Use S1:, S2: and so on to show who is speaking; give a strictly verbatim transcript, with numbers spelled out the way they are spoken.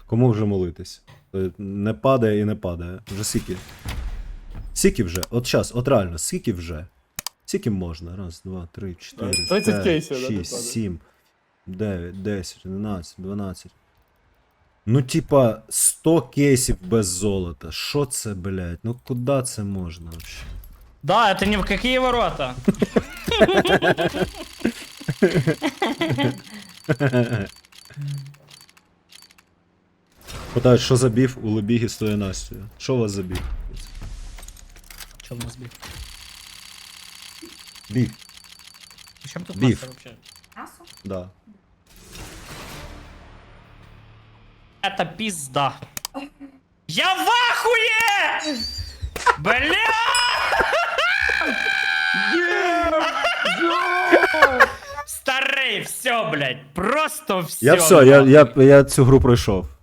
S1: Кому вже молитись? Е, Не падає і не падає. Вже скільки? Скільки вже? От час, от реально, скільки вже? Скільки можна? Раз, два, три, чотири,
S2: тридцять
S1: п'ять,
S2: кейсів, да, не
S1: шість,
S2: падає.
S1: сім, дев'ять, десять, одинадцять, дванадцять. Ну, типа, сто кейсів без золота. Що це, блядь? Ну куди це можна вообще?
S3: Да, это ни в какие ворота.
S1: Питають, що за біф у Лебігі з тою Настю? Що у вас за біф?
S3: Че у нас биф?
S1: Біф,
S3: Причем тут
S1: Биф.
S3: Настя вообще?
S4: Мясо?
S1: да.
S3: Это пизда. Я в ахуе! Бля! Старый, все, блядь, просто все.
S1: Я все, я, я, я цю гру пройшов.